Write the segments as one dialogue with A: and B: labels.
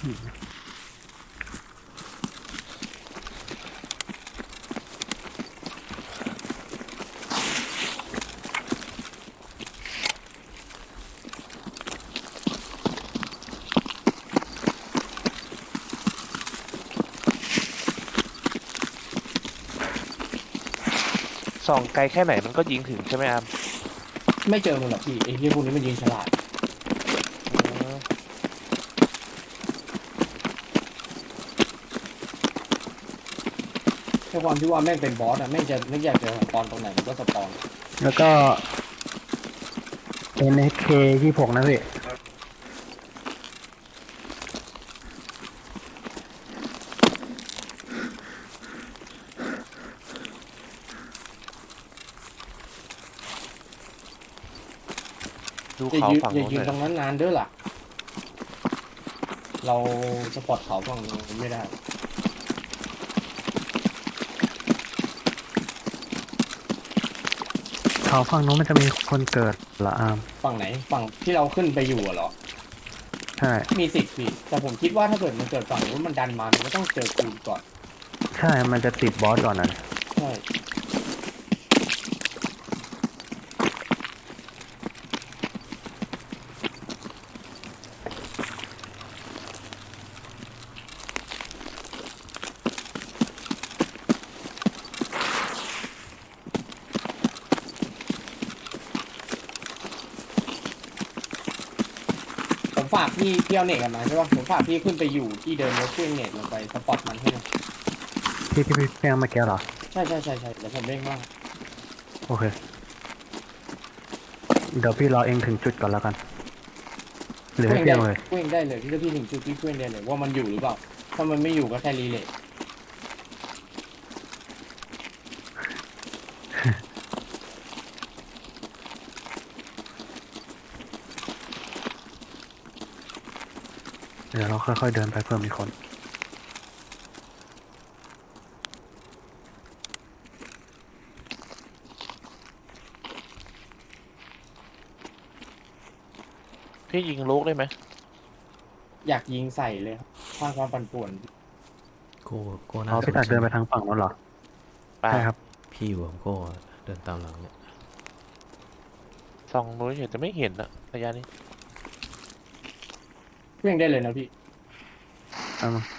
A: ส่องไกลแค่ไหนมันก็ยิงถึงใช่ไหมอาร์ม
B: ไม่เจอมันหรอกพี่ไอ้ที่พวกนี้มันยิงฉลาดแค่ความที่ว่าแม่งเป็นบอสอะแม่งจะนึกอยากจะสปอนตรงไหนมันก็สปอน
C: แล้วก็ NK 26นะพี่
A: ดู
B: อย่า
A: เขา
B: ยืน
A: ฝั่ง
B: อย่ายืนตร
A: โน้นหน่อย
B: งนั้นนานเด้อล่ะเราสปอร์ตเขาฝั่งนู้นไม่ได้
C: เขาฝั่งนู้นมันจะมีคนเกิดเหรออาร์ม
B: ฝั่งไหนฝั่งที่เราขึ้นไปอยู่อะเหรอ
C: ใช่
B: มีสิทธิ์พี่แต่ผมคิดว่าถ้าเกิดมันเกิดฝั่งนู้นมันดันมามันก็ต้องเจอกูก่อน
C: ใช่มันจะติดบอสก่อนนะ
B: ใช่ผมฝากพี่เอาเน็ตกันมาใช่ป่ะผมฝากพี่ขึ้นไปอยู่ที่เดิมแล้วเครื่องเน็ตลงไปสปอร์ตมันให้หน่อย
C: ที่พี่เพียงเมื่อกี้เหรอ
B: ใช่เดี๋ยวผมเร่งว่าง
C: โอเคเดี๋ยวพี่รอเองถึงจุดก่อนแล้วกันหรือให้เพียงเลย
B: เคว้งได้เลยที่พี่ถึงจุดที่เคว้งได้เลยว่ามันอยู่หรือเปล่าถ้ามันไม่อยู่ก็แค่รีเลย์
C: เดี๋ยวเราค่อยๆเดินไปเพื่อมีคน
A: พี่ยิงลูกได้ไหม
B: อยากยิงใส่เลยครับสร้างความปั่นป่วน
D: โก้โก้น่า
C: พี่ตัดเดินไปทางฝั่งนั้นเหรอ
A: ไป
C: ใช่ครับ
D: พี่อยู่กับโก้เดินตามหลังเนี่ย
A: ส่องนู้นเห็นจะไม่เห็นอะระยะนี้
B: เคว้งได้เลยนะพี่
C: เอามา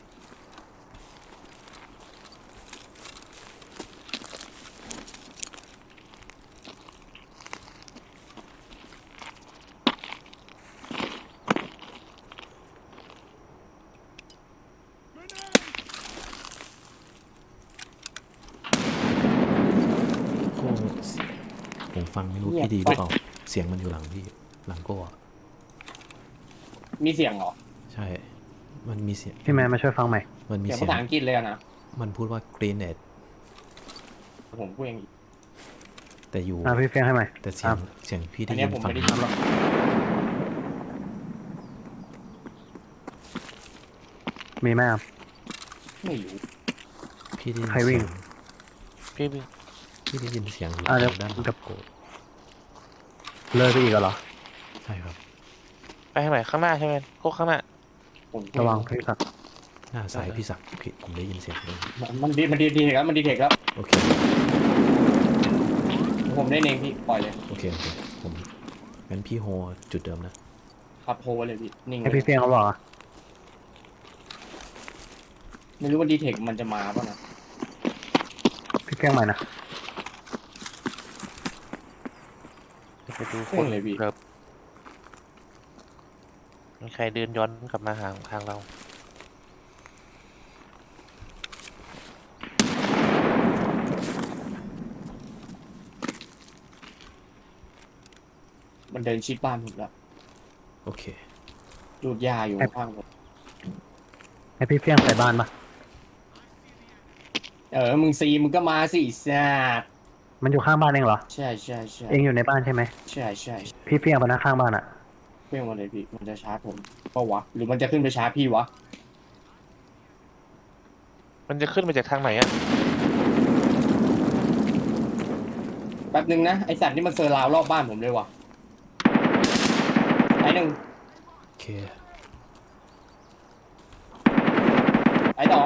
D: โก้ผมฟังไม่รู้พี่ดีหรือเปล่าเสียงมันอยู่หลังพี่หลังโก้อะ
B: มีเสียงเหรอ
D: ใช่มันมีเสียง
C: พี่แมนมาช่วยฟังใหม่
D: มันมี
B: เสียง
D: เสียง
B: ภาษาอังกฤษเลยอะนะ
D: มันพูดว่า grenade
B: ผมเคว้งอีก
D: แต่อยู่
C: พี่เพียงให้ใหม่
D: แต่เสียงพี่
B: อัน
D: ได้ยิ
B: นี้
D: น
B: ผม
D: ฝั่ง
B: ไม่ได้ทำหรอก
C: มีไหมครับ
B: ไม่รู้
D: พี่ได้ยิน
C: ใครวิ่
D: เสี
C: ง
D: ยง
A: พี่วิ่ง
D: พี่ได้ยินเสียงอยู่
C: เดี๋ยว
D: ด้านหลังโก้
C: เลยไปอีกเหรอ
D: ใช่ครับ
A: ไปทางไหนข้างหน้าใช่ไหมโคกข้างหน้า
B: ผมเคว้
C: ระ
B: ง
C: วังพี่ตัด
D: หน้าซ้ายพี่ศักดิ์พี่ผมได้ยินเสียงเลย
B: มันดีเทคแล้วมันดีเทคแล้ว
D: โอเค
B: ผมได้เองพี่ปล่อยเลย
D: โอเคผมงั้นพี่โฮจุดเดิมนะครับ
B: โฮเลยพี่นิ่งเล
C: ให้
B: ย
C: พี่เพียงเขาบอกอะ
B: ไม่รู้ว่าดีเทคมันจะมาป่ะนะ
C: พี่เพียงใหม่นะ
A: จะไปดูค
B: เคว้
A: น
B: งเลยพี่
A: ครับมีใครเดินย้อนกลับมาทางเรา
B: มันเดินชิดบ้านผมแล้ว
D: โอเค
B: ดูดยาอยู่ข้างผม
C: ให้พี่เพียงใส่บ้านปะ
B: มึงซีมึงก็มาสิแซด
C: มันอยู่ข้างบ้านเองเหรอ
B: ใช่
C: เองอยู่ในบ้านใช่ไหม
B: ใช่
C: พี่เพียงไปนะข้างบ้านอะ
B: เคว้งมาเลยพี่มันจะชาร์จผมก็วะหรือมันจะขึ้นไปชาร์จพี่วะ
A: มันจะขึ้นมาจากทางไหนอะ
B: แป๊บนึงนะไอสัตว์นี่มันเซอร์ราวรอบบ้านผมเลยวะไอหนึ่ง
D: โอเค
B: ายสอง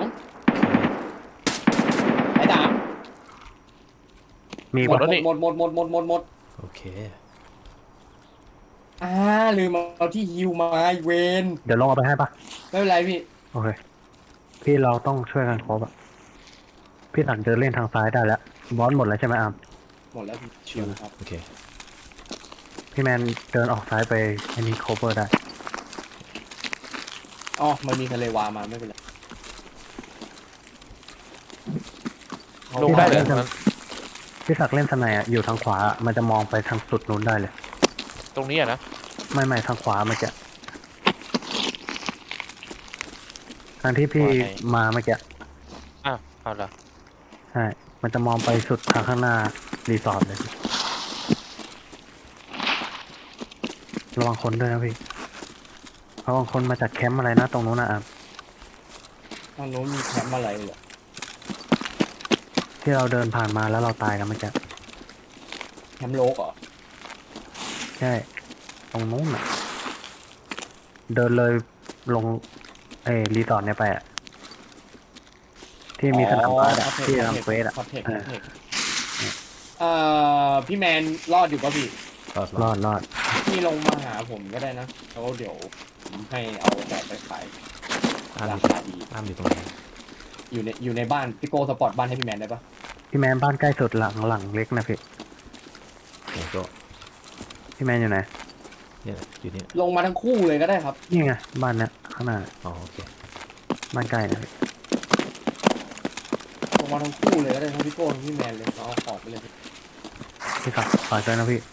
B: สายสาม
C: มี
A: หม
C: ปะ
A: ดแล้วนี่
B: หมด
D: โอเค
B: ลืมเอาที่ฮิวมาไอ้เวน
C: เดี๋ยวลงเอาไปให้ปะ
B: ไม่เป็นไรพี่
C: โอเค พี่เราต้องช่วยกันครบอะพี่สันเดินเล่นทางซ้ายได้แล้วบอสหมดแล้วใช่ไหมอาร์ม
B: หมดแล้วพี่ชิวครับ
D: โอเค
C: พี่แมนเดินออกซ้ายไปอันนี้ cover ได้
B: อ๋อมันมีทะเลวามาไม่เป็นไร
A: ลงได้เลยตรงนั้น
C: พี่ศักดิ์เล่นสไนอะอยู่ทางขวาอะมันจะมองไปทางสุดนู้นได้เลย
A: ตรงนี้อะนะ
C: ไม่ทางขวาเมื่อกี้ทางที่พี่มาเมื่อกี้
A: อ้าวเอาละ
C: ใช่ มันจะมองไปสุดทางข้างหน้ารีสอร์ทเลยพี่ระวังคนด้วยนะพี่ระวังคนมาจากแคมป์อะไรนะตรงนู้นนะอาร์ม
B: ทางโน้นมีแคมป์อะไรเหรอ
C: ที่เราเดินผ่านมาแล้วเราตายกันเมื่อกี้
B: แคมป์โลกเหรอ
C: ใช่ตรงนู้นอ่ะ เดินเลยลงรีสอร์ทเนี่ยไปอ่ะที่มีสนามบาสอะที่ทำเควสอ่ะ
B: คอนเทกต์
C: เอ
B: ค
C: อ
B: อนเทกต์พี่แมนรอดอยู่ป่ะพี่
C: รอด
B: พี่ลงมาหาผมก็ได้นะแล้วเดี๋ยวผมให้เอาแบบไปขาย
D: อ้ามอ
B: รา
D: ยู่
B: คาดี
D: อ้ามอยู่ตรงไหน
B: อยู่ในบ้านพี่โก้สปอร์ตบ้านให้พี่แมนได้ปะ
C: พี่แมนบ้านใกล้สุดหลังเล็กนะพี่
D: ไหนก็
C: พี่แมนอยู่ไหน
D: เนี่ยอยู่เนี่ย
B: ลงมาทั้งคู่เลยก็ได้ครับ
C: นี่ไงบ้านเนี้ยข้างหน้า
D: อ๋อโอเค
C: บ้านใกล้นะพี่
B: ลงมาทั้งคู่เลยก็ได้ทั้งพี่โก้ทั้งพี่แมนเลยเอาของไปเลย
C: พี่ครับฝากด้วยนะพี่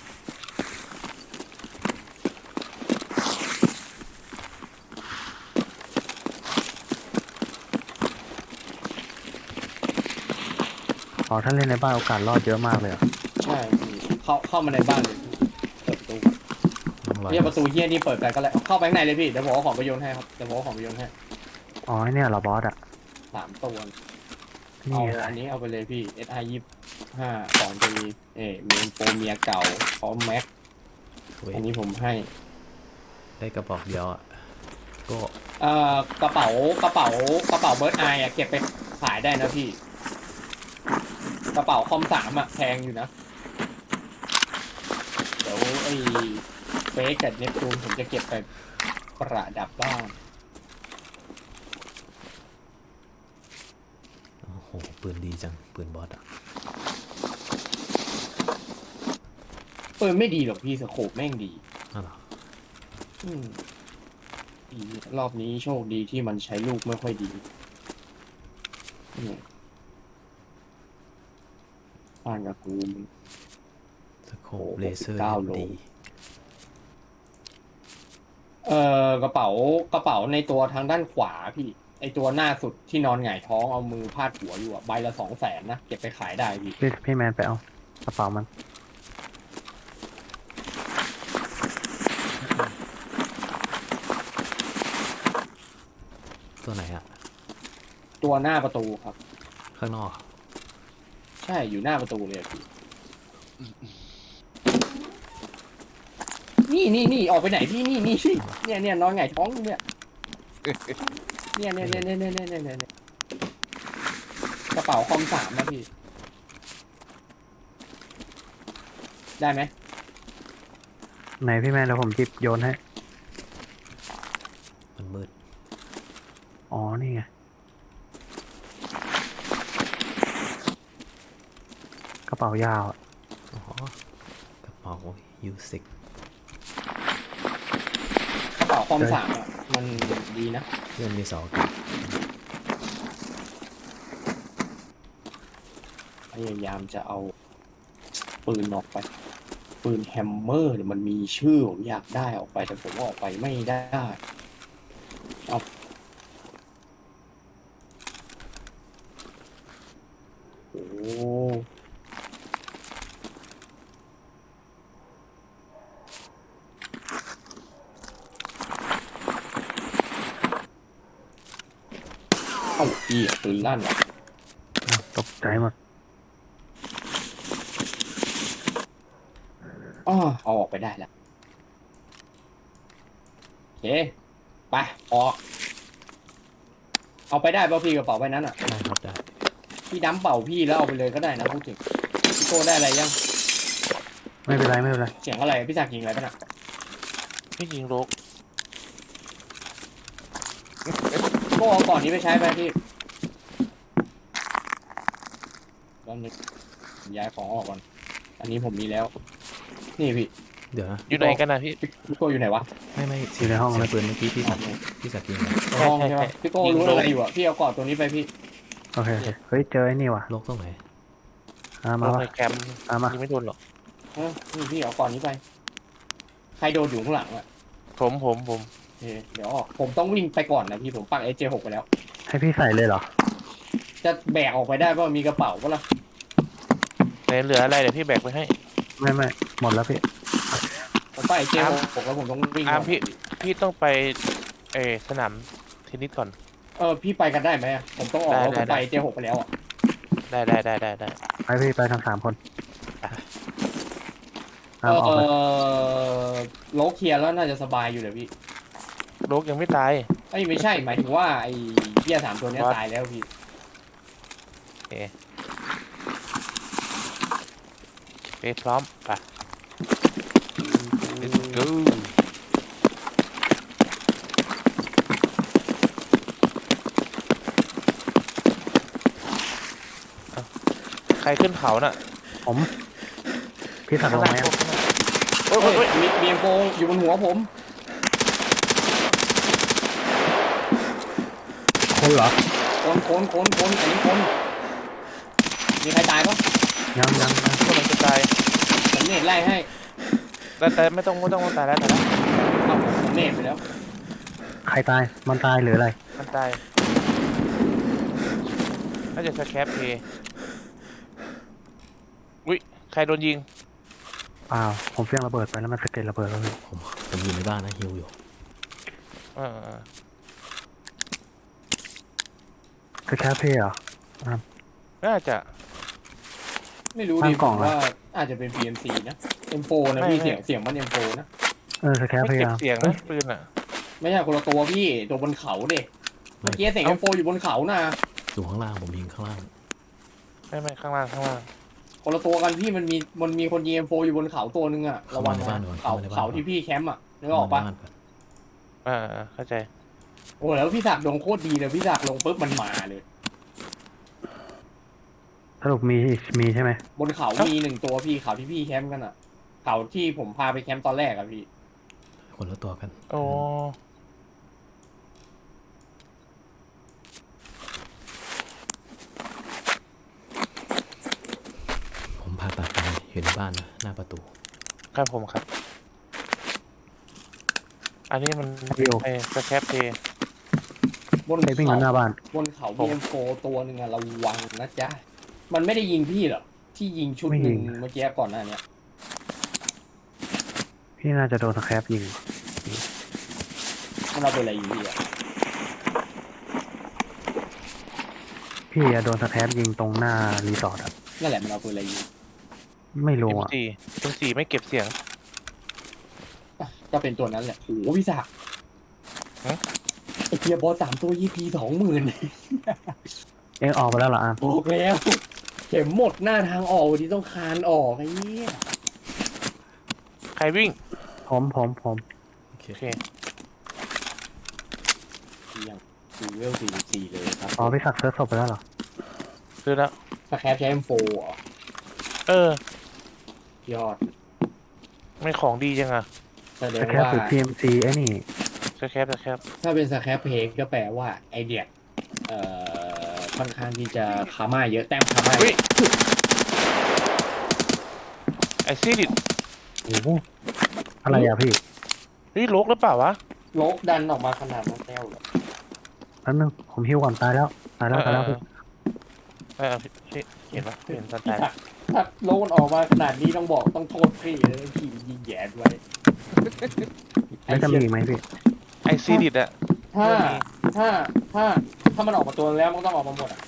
C: อ๋อถ้าเล่นในบ้านโอกาสรอดเยอะมากเลยอะ
B: ใช่พี่เข้ามาในบ้านเลยพี่เปิดประตู
D: ต้องรอ
B: เฮียประตูเฮียนี่เปิดไปก็แล้วเข้าไปข้างในเลยพี่เดี๋ยวผมเอาของไปโยนให้ครับเดี๋ยวผมเอาของไปโยนให้
C: อ๋อไอ้เนี่ยเหรอบอสอ่ะ
B: 3 ตัว
C: นี่
B: เอา
C: ไง
B: อันนี้เอาไปเลยพี่ SI 25ของจะมีเมนโฟเมียเก่าพร้อมแม็ก
D: เว้ย
B: อันนี้ผมให้
D: ได้กระบอกเดียวอ่ะก็
B: กระเป๋าเบิร์ดไออะเก็บไปขายได้นะพี่ กระเป๋าคอม3อะแพงอยู่นะ เดี๋ยวไอ้เฟกกับเนปจูนผมจะเก็บไปประดับบ้าง
D: โอ้โหปืนดีจังปืนบอสอ่ะ
B: ปืนไม่ดีหรอกพี่สโคปแม่งดี
D: อ้าวเหรอ
B: อืมดีรอบนี้โชคดีที่มันใช้ลูกไม่ค่อยดีนี่บ้านกับกูมัน
D: สโคปเลเซอร์
B: 69โล
D: ดี
B: กระเป๋าในตัวทางด้านขวาพี่ ไอตัวหน้าสุดที่นอนหงายท้องเอามือพาดหัวอยู่อะใบละ200,000นะเก็บไปขายได้พี่
C: พี่แมนไปเอากระเป๋ามัน
D: ตัวไหนอ่ะ
B: ตัวหน้าประตูครับ
D: ข้างนอก
B: ใช่อยู่หน้าประตูเลยอะพี่นี่ออกไปไหนพี่นี่เนี่ยนอนหงายท้องอยู่เนี่ยเนี่ยกระเป๋าคอม3นะพี่ ได้ไหม
C: ไหนพี่แมนเดี๋ยวผมจิบโยนให้
D: มันมืด
C: อ๋อ นี่ไง กระเป๋ายาวอะ
D: อ๋อกระเป๋ายูสิก
B: กระเป๋าคอม3อ่ะมันดีนะ
D: เพื่อนมีเสาอากาศ
B: พยายามจะเอาปืนออกไป ปืนแฮมเมอร์เนี่ยมันมีชื่อผมอยากได้ออกไปแต่ผมว่าออกไปไม่ได้เอาโอ้เอ้าพี่ปืนลั่นว่ะ
C: อ้าวตกใจหมด
B: อ้อเอาออกไปได้แล้วโอเค ไปออกเอาไปได้ป่ะพี่กระเป๋าใบนั้นอ่ะ
D: ได้ครับได้
B: พี่ดั้มเป่าพี่แล้วเอาไปเลยก็ได้นะพูดถึงพี่โก้ได้อะไรยัง
C: ไม่เป็นไรไม่เป็นไร
B: เสียงอะไรพี่ศักดิ์ยิงอะไรป่ะน่ะ
A: พี่ยิงโลก
B: โก้เอาก่อนนี้ไปใช้ไปพี่ตอนนี้ย้ายของออกก่อนอันนี้ผมมีแล้ว นี่พี่
D: เดี๋ยวนะ
A: อยู่ไหนกันนะพี่
B: พี่โก้อยู่ไหนวะ
D: ไม่
C: อยู่ในห้อง
D: เสีย
C: เล
D: ง
C: ย
D: ปืนเมื่อกี้พี่
B: อ๋อ
D: สักยิงนะ
B: ในห้อง
A: ใช่
B: ใช่ไหม
A: ใช่
B: พี่โก้
A: ยิง
B: รู้
A: โล
B: อะไรอยู่อ่ะพี่เอากอดตัวนี้ไปพี่
C: โอเคโอเคเฮ้ยเจอไอ้นี่ว่ะ
D: โลกตรงไหน
C: มา
A: ลง
C: วะ
A: ในแคมป์
C: มา
A: ยิงไม่โดนหรอก
B: นี่พี่เอากอดนี้ไป ใครโดนอยู่ข้างหลังอ่ะ
A: ผม
B: โอเคเดี๋ยวออกผมต้องวิ่งไปก่อนนะพี่ผมปัก SJ6 ไปแล้ว
C: ให้พี่ใส่เลยเหรอ
B: จะแบกออกไปได้ป่ะมีกระเป๋าป่ะล่ะ
A: ไหนเหลืออะไรเดี๋ยวพี่แบกไปให้
C: ไม่หมดแล้วพี่
B: ผมปัก SJ6 แล้วผมต้องวิ่ง
A: อาร์ม
B: ก่อน
A: พี่ต้องไปสนามเทนนิสก่อน
B: พี่ไปกันได้ไหมอะผมต้องออกแล้วผมไป SJ6 ไปแล้วอ่ะ
A: ได้
C: ไปพี่ไปทั้ง3 คน
B: เอ
C: ออกเลย
B: โลเคลียร์แล้วน่าจะสบายอยู่เลยพี่
A: โลกยังไม่ตาย
B: ไม่ใช่หมายถึงว่าไอ้เหี้ย3 ตัวเนี้ย
A: What?
B: ตายแล้วพี่
A: ไปพร้อมไป Let's go ใครขึ้นเขาน่ะ
C: ผมพี่ถักลงไหมอะ
A: โอ้ย
B: มีเอ็มโฟอยู่บนหัวผม
C: คนเหรอ
B: คนอันนี้คนมีใครตายปะ
C: ยัง
A: คนมันจะตาย
B: ผมเนตไล่ให้
A: แต่ไม่ต้องตายแล้วแต่ละ
B: เอาผมเนตไปแล้ว
C: ใครตายมันตายหรืออะไร
A: มันตายน่าจะสแคปเพย์อุ้ยใครโดนยิง
C: เปล่าผมเฟี้ยงระเบิดไปแล้วมันสะเก็ดระเบิดแล้วพี่
D: ผมอยู่ในบ้านนะฮิวอยู่
A: เออ
C: คือแค่พี่เหรอ
A: น่าจะ
B: ไม่รู้
C: ตั้
B: ดิ
C: งกล่อง
B: ผม
C: อะ
B: ว่าอาจจะเป็น PMC นะ M4 นะพี่เสียงมัน M4 นะ
C: สแคป
A: ไม่
C: พี่
A: เก็บ
C: อะ
A: เสียงนะปืนอ่ะ
B: ไม่ใช่คนละตัวพี่ตัวบนเขาเด็กเมื่อกี้เสียง M4 อยู่บนเขานะ
D: อยู่ข้างล่างผมยิงข้างล่าง
A: ไม่ข้างล่าง
B: คนละตัวกันพี่มันมีคนยิง M4 อยู่บนเขาตัวนึงอะระวัง
D: เข้ามาในบ้านก่อน
B: เขา
D: เข้ามาในบ้าน
B: เขาที่พี่แคมป์อะนึกออกปะ
D: ในบ้านก่อน
A: เข้าใจ
B: โอ้แล้วพี่ศักดิ์ลงโคตรดีเลยพี่ศักดิ์ลงปุ๊บมันมาเลย
C: สรุปมีใช่ไหม
B: บนเขามี1 ตัวพี่เขาที่พี่แคมป์กันอะเขาที่ผมพาไปแคมป์ตอนแรกอะพี่
D: คนละตัวกัน
A: โอ้
D: ผมผ่าตัดไปอยู่ในบ้านนะหน้าประตู
A: ครับผมครับ อันนี้มันสแคปเพย์
B: บน
C: เฮ้ยวิ่งอยู่หน้าบ้าน
B: บนเขามี M4 ตัวหนึ่งอะระวังนะจ๊ะมันไม่ได้ยิงพี่หรอกที่ยิงชุดหนึ่งเมื่อกี้ก่อนหน้าเนี้ย
C: พี่น่าจะโดนสแคปยิง
B: มันเอาไปอะไรยิงพี่อะ
C: พี่อะโดนสแคปยิงตรงหน้ารีสอร์ทอะ
B: นั่นแหละมันเอาไปอะไรยิง
C: ไม่รู้
A: เอ็ม
C: อะ
A: สี่ไม่เก็บเสียง
B: อ่ะก็เป็นตัวนั้นแหละโอ้โหพี่ศักดิ์
A: ฮะ
B: ไอเกียร์บอส3 ตัว EP 20,000
C: เอ็งออกไปแล้วเหรออาม
B: โอ้แล้วเข็มหมดหน้าทางออกวันนี้ต้องคานออกไอ้เนี่ย
A: ใครวิ่ง
C: ผม
D: โอเค
A: โอเค
B: ยังดูเวล44เลยครับ
C: อ๋อพี่สักเซิร์ฟศพไปแล้วเหรอ
A: ซื้อแล้ว
B: สแครปใช้ M4 เหรอย
A: อด
B: อด
A: ไม่ของดีจังอะ
B: แสด
C: ส
B: ง
C: แคป
B: ว่า
C: หรือ PMC ไอ้นี่
A: สแคป
B: ถ้าเป็นสแครปเพกก็แปลว่าไอเดียค่อนข้างที่จะคาม่าเยอะแต้มคาม่า
A: อุ้ยไอซีดิ
C: โอ้โหอะไรอะพี่
A: นี่โลกหรือเปล่าวะ
B: โลกดันออกมาขนาดนั้นแล้วเหรอ
C: แป๊บนึงผมฮิวก่อนตายแล้วพี่
A: พี่เห็นปะเห็นตอนตาย
B: ถ้าโลกมันออกมาขนาดนี้ต้องบอกต้องโทษพี่เลยพี่ยิงแหยนไว้
C: แล้วจะมีอีกไหมพี่
A: ไอซีดิอะ
B: ถ้ามันออกมาตัวแล้วมันต้องออกมาหมดอ่ะ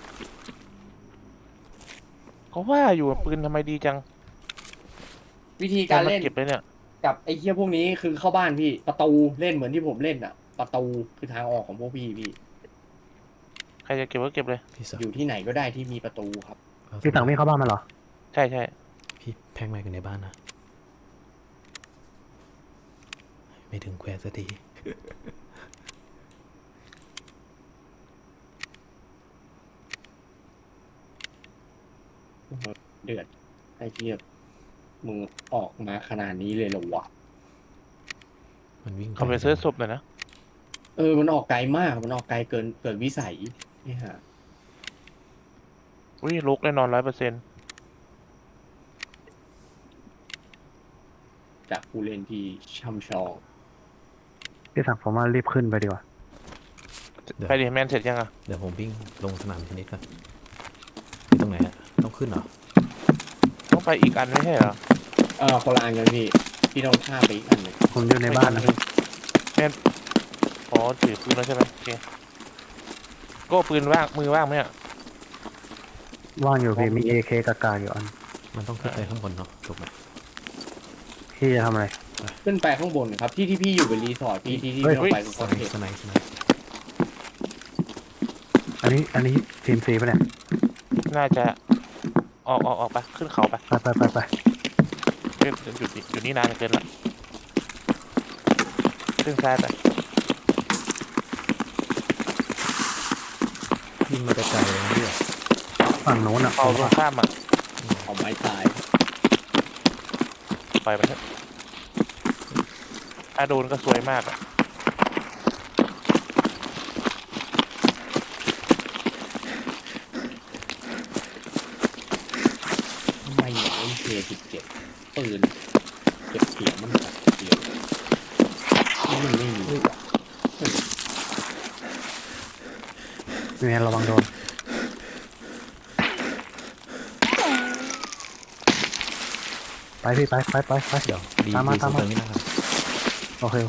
A: ก็ว่าอยู่ปืนทำไมดีจัง
B: วิธีการเล่น
A: เก็บเลยเนี่ย
B: กับไอ้เหี้ยพวกนี้คือเข้าบ้านพี่ประตูเล่นเหมือนที่ผมเล่นอ่ะ ประตูคือทางออกของพวกพี่
A: ใครจะเก็บก็เก็บเลย
D: พี่สัก
B: อยู่ที่ไหนก็ได้ที่มีประตูครับ
C: พี่สั่งวิ่งเข้าบ้านมาเหรอ
A: ใช่ใช่
D: พี่แพงแม็กอยู่ในบ้านนะ ไม่ถึงแควสักที
B: เดือดไอ้เทียบมึงออกมาขนาดนี้เลยเหรอวะ
D: มันวิ่ง
A: เขาไปซื้อศพหน่อยนะ
B: มันออกไกลมากมันออกไกลเกินวิสัยนี่ฮะ
A: อุ้ยลุกแน่นอน100%
B: จากผู้เล่นที่ช่ำชอง
C: พี่สั่งผมว่ารีบขึ้นไปดีกว่า
A: ไปดิแมนเสร็จยังอ่ะ
D: เดี๋ยวผมวิ่งลงสนามเทนนิสก่อนอยู่ตรงไหนอะต้องขึ้นเหรอ
A: ต้องไปอีกอันไม่ใช่เหรอ
B: คนละอันกันพี่ต้องข้ามไปอีกอันหนึ่ง
C: ผมอยู่ในบ้านนะ
A: อ๋อถือปืนแล้วใช่ไหมโอเคโก้ปืนว่างมือว่างไหมเนี่ย
C: ว่างอยู่พี่มี AK กากาอยู่อัน
D: มันต้องขึ้นไปข้างบนเนาะถูกไหม
C: พี่จะทำอะไร
B: ขึ้นไปข้างบนครับที่พี่อยู่เป็นรีสอร์ทที่
C: เฮ้ย
B: เราไป
D: ส
B: ก็
D: ไน
B: เห็น
D: ส์สไนส์สไนส์
C: อันนี้ทีมซีปะเนี่ย
A: น่าจะออกไปขึ้นเขาไป
C: ไป
A: อยู่นี่นานเกินละขึ้นซ้ายไป
D: ยิงมาแต่ไกลเลยนะพี่
C: ฝั่งโน้นอ่ะ
A: เอาลงข้ามอ่ะ
B: เอาไม้ตาย
A: ปล่อยมันเถอะถ้าโดนก็สวยมากอ่ะ
B: ไม่อยากเล่นK17ปืนเก็บเสียงมันแบบเดียวนี่มันไม่มีว่ะ
C: มีระวังโดน ไปพี่ไป
D: เดี๋ยวดี
C: ตามมา
D: ดี
C: ตาม
D: สุด
C: มา
D: เติมนี่นะครับ
C: โอเค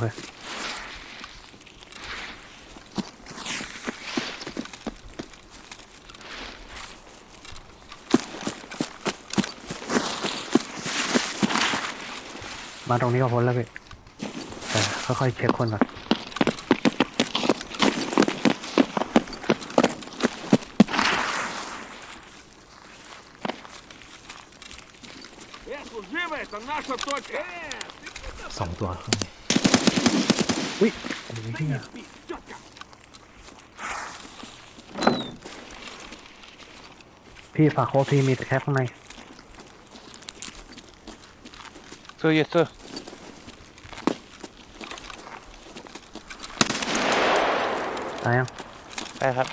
C: มาตรงนี้ก็พ้นแล้วพี่แต่ค่อยๆเช็คคนก่อน
D: สองตัวข้างใน
C: อุ้ยโอ้ยเหี้ยพี่ฝากโค้ดพี่มีแคปข้างใน
A: เสื้อเยสเซอร์
C: ตายยัง
A: ได้ครับ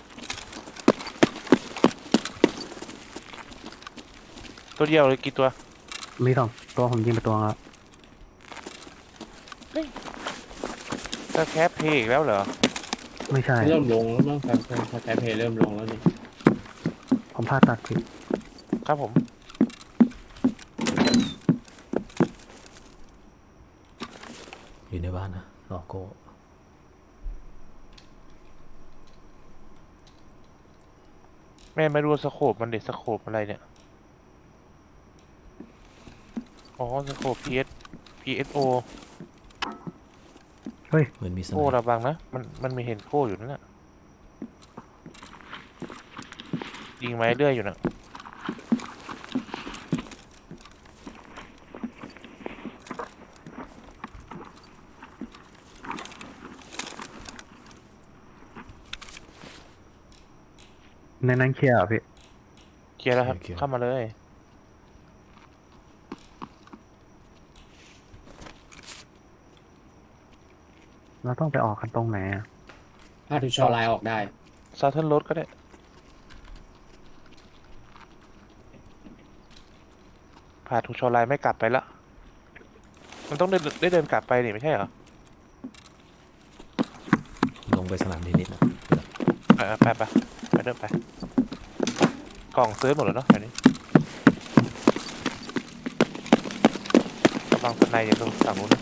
A: ตัวเดียวเลยกี่ตัว
C: มีสองตัวผมยิงไปตัวแล้ว
A: ถ้าแคปเพย์อีกแล้วเหรอ
C: ไม่ใช่
B: เริ่มลงแล้วมั้งแฟร์เพย์เริ่มลงแล้วนี่
C: ผมพลาดตัดผิด
A: ครับผม
D: อยู่ในบ้านนะรอโก้
A: แม่ไม่รู้สโคปมันเด็ดสโคปอะไรเนี่ย อ๋อสโคป PSO
C: เฮ้ย
D: เหมือนมีสไน
A: โก้
D: ส์
A: ระวังนะ มันมีเห็นโก้อยู่นั่นน่ะยิงไม้เรื่อยอยู่นะ
C: ในนั้นเคลียร์เหรอพี่
A: เคลียร์แล้วครับ เข้ามาเลย
C: เราต้องไปออกกันตรงไหนอะ
B: พาทุกชอไลน์ออกได้
A: ซาเทิร์นรถก็ได้ ผ่านทูชอไลน์ไม่กลับไปละ มันต้องได้เดินกลับไปนี่ไม่ใช่เหรอ
D: ลงไปสนามเทนนิสนะ
A: ไปเดินไป กล่องซื้อหมดแล้วเนาะแถวนี้ระวังสไนอย่าตรงฝั่งนู้นนะ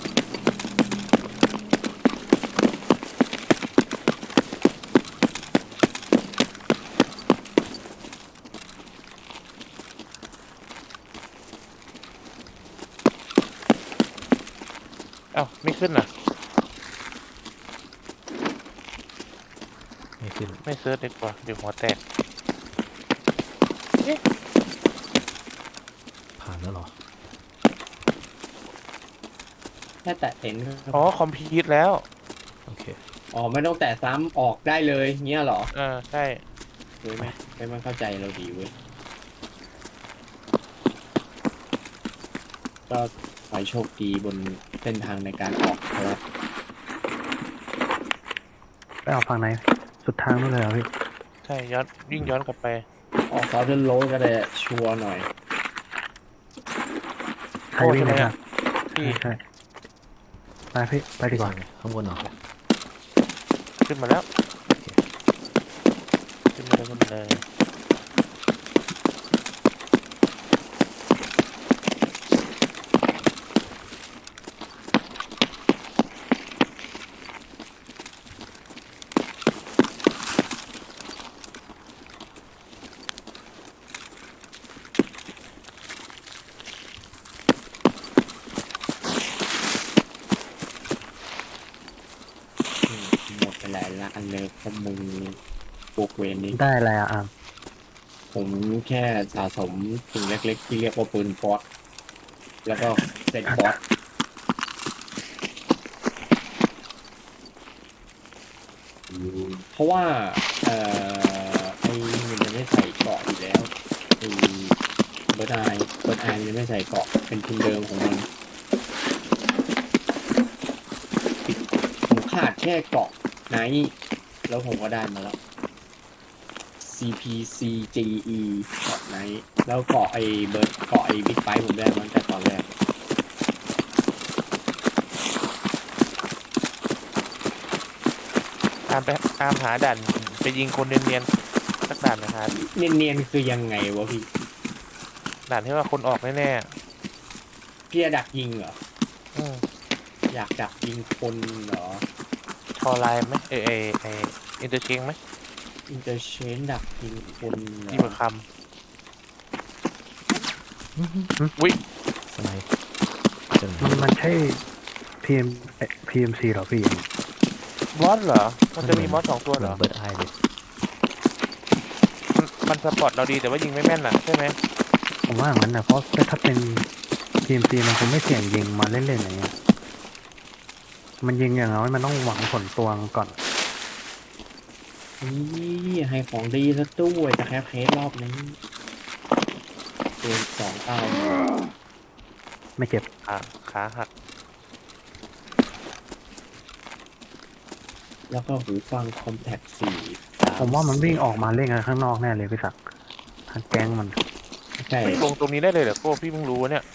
A: เอ้าไม่ขึ้นน่ะ
D: มไม่ขึ้น
A: ไม่เซิร์ชดีกว่าเดี๋ยวหัวแตก
D: ผ่านแล้วเหรอ
B: แค่แตะเต็นท์
A: อ๋อคอมพิวต์แล้ว
D: โอเค
B: อ๋อไม่ต้องแตะซ้ำออกได้เลยเงี้ยเหรอ
A: ใช่
B: เฮ้ยไม่เข้าใจเราดีเว้ยก็ขอให้โชคดีบนเส้นทางในการออกครับ
C: ไปเอาฝั่งไหน สุดทางนู่นเลยเหรอพี่
A: ใช่ย้อนวิ่งย้อนกลับไป
B: ออกซอสเดินโรดก็ได้ชัวร์หน่อย
C: ใครวิ่งเลยครับ
A: พี่
C: ใช่ไปพี่ ไปดีกว่า
D: ข้างบนเหรอ
A: ขึ้นมาแล้ว
D: โอเค
A: ขึ้นมาแล้วขึ้นมาเลย
B: หมดไปหลายล้านเลยพวกมึงปลูกเวรนี้
C: ได้อะไรอ่ะอาม
B: ผมแค่สะสมสิ่งเล็กๆที่เรียกว่าปืนฟอสแล้วก็เซ็ตฟอสเพราะว่าไอ้มันจะไม่ใส่เกราะอยู่แล้วไอ้เบิร์ดไอมันจะไม่ใส่เกราะเป็นทุนเดิมของมันผมขาดแค่เกราะไนท์แล้วผมก็ได้มาแล้ว CPCGE เกาะไนท์แล้วเกาะไอ้เบิร์ดเกาะไอ้บิ๊กไบค์ผมได้มาตั้งแต่ตอนแรก
A: ตามหาด่านไปยิงคนเนียนๆสักด่านนะครับ
B: เนียนๆคือยังไงวะพี่
A: ด่านที่ว่าคนออกแน่
B: พี่จะดักยิงเหรอ
A: ๆ
B: อยากดักยิงคนเหรอ
A: ทอไลน์ไหมอินเตอร์เชงไหม
B: อินเตอร์เชนดักยิงคนเหร
A: ที่
B: อ
A: ประคำอุ้ย
D: สไนป์เจอ
C: มันใช่ PMC เหรอพี่
A: มอสเหรอ มันจะมีมอส2 ตัวเหรอ
D: เบิร์ดไอเลย
A: มันสปอร์ตเราดีแต่ว่ายิงไม่แม่นน่ะใช่ไหม
C: ผมว่าอย่างนั้นนะเพราะถ้าเป็น PMC มันคงไม่เสี่ยงยิงมาเล่นๆอย่างเงี้ย มันยิงอย่างน้อยมันต้องหวังผลตวงก่อน
B: นี่ให้ของดีซะด้วยจะแคปเคสรอบนี้ปืน2 เอา
C: ไม่เจ็บ
A: ขาหัก
B: แล้วก็หูฟังคอมแพค4
C: ผมว่ามันวิ่งออกมาเล่นกันข้างนอกแน่เลยพี่ศักดิ์ทางแก๊งมัน
B: ใช่
A: ลงตรงนี้ได้เลยเหรอโก้พี่เพิ่งรู้เนี่ย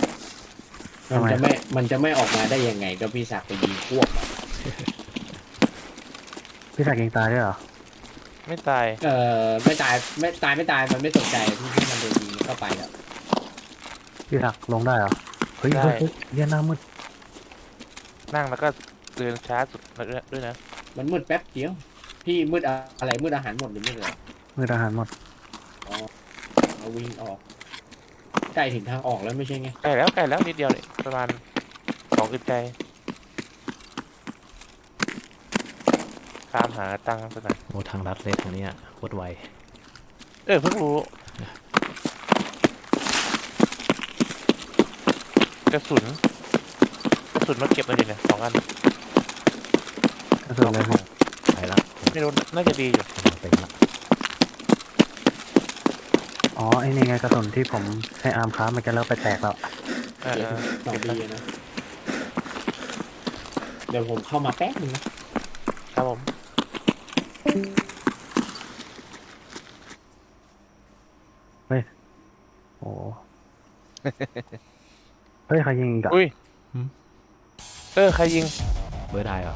B: มันจะไม่ออกมาได้ยังไงก็พี่ศักดิ์ไปยิงพวกอะ
C: พี่ศักดิ์ยิงตายด้วยเหรอ
A: ไม่ตาย
B: ไม่ตายมันไม่สนใจที่มันโดนยิงเข้าไปแล้ว
C: พี่ศักดิ์ลงได้เหรอ เฮ้ย
A: ได้
C: เฮ้ยเฮ้ยเหี้ยหน้ามืด
A: นั่งแล้วก็เดินช้าสุดด้วยนะ
B: มันมืดแป๊บเดียวพี่มืดอะไรมืดอาหารหมดหรือมืดอะไร
C: มืดอาหารหมด
B: เอาวิ่งออกใกล้ถึงทางออกแล้วไม่ใช่ไง
A: ใกล้แล้วนิดเดียวเลยประมาณ2 อึดใจตามหาตังค์สักหน่อย
D: โอ้ทางลัดเลยทางเนี้ยโคตรไว
A: เพิ่งรู้ กระสุนมาเก็บมาดิเนี่ย2 อัน
C: ก็คือเลยพี่
D: ไปละ
A: ไม่รู้น่าจะดีอยู่
D: เต็มละ
C: อ๋อ ไอ้นี่ไงกระสุนที่ผมให้อาร์มค้ามันจะเริ่มไปแตกแล้ว
A: เออ
B: สองดีนะ เดี๋ยวผมเข้ามาแป๊บนึงนะครับ
A: ผม
C: โอ้ เฮ้ยใครยิงอีกอะ
A: อุ้ยใครยิง
D: เบิร์ดไอเหรอ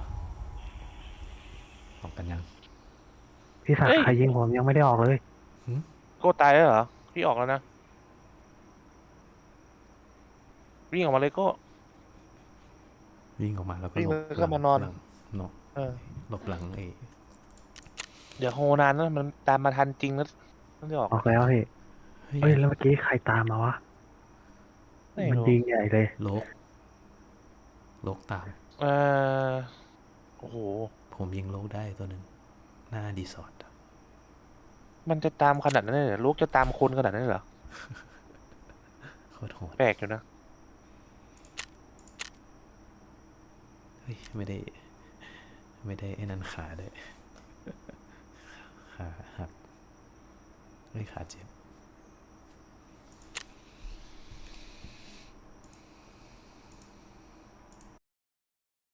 D: ออกกันยัง
C: พี่ศัก
A: เฮ้
C: ดิ์
A: ย
C: ใครยิงผมยังไม่ได้ออกเลย
A: โก้ตายแล้วเหรอพี่ออกแล้วนะวิ่งออกมาเลยโก้
D: วิ่งออกมาแล้วก็
A: วิ่ง
D: หลบ
A: แล้วก็มานอน
D: หลังหลบ
A: เออ
D: หลบหลังไอ้
A: เดี๋ยวโฮนานนะมันตามมาทันจริงนะต้องได้ออก
C: ออกแล้วพี่
D: เฮ้ย
C: เฮ้ยแล้วเมื่อกี้ใครตามมาวะ
A: ไม่
C: มัน
A: รู้
C: ยิงใหญ่เลย
D: โลกตาม
A: เออโอ้โห
D: ผมยิงโลกได้ตัวหนึ่งหน้าดีสอร์ท
A: มันจะตามขนาดนั้นเลยเหรอลูกจะตามคนขนาดนั้นเลยเหรอ
D: โคตรโหด
A: แปลกอยู่นะ
D: เฮ้ยไม่ได้ไอ้นั่นขาด้วยขาหักเฮ้ยขาเจ็บ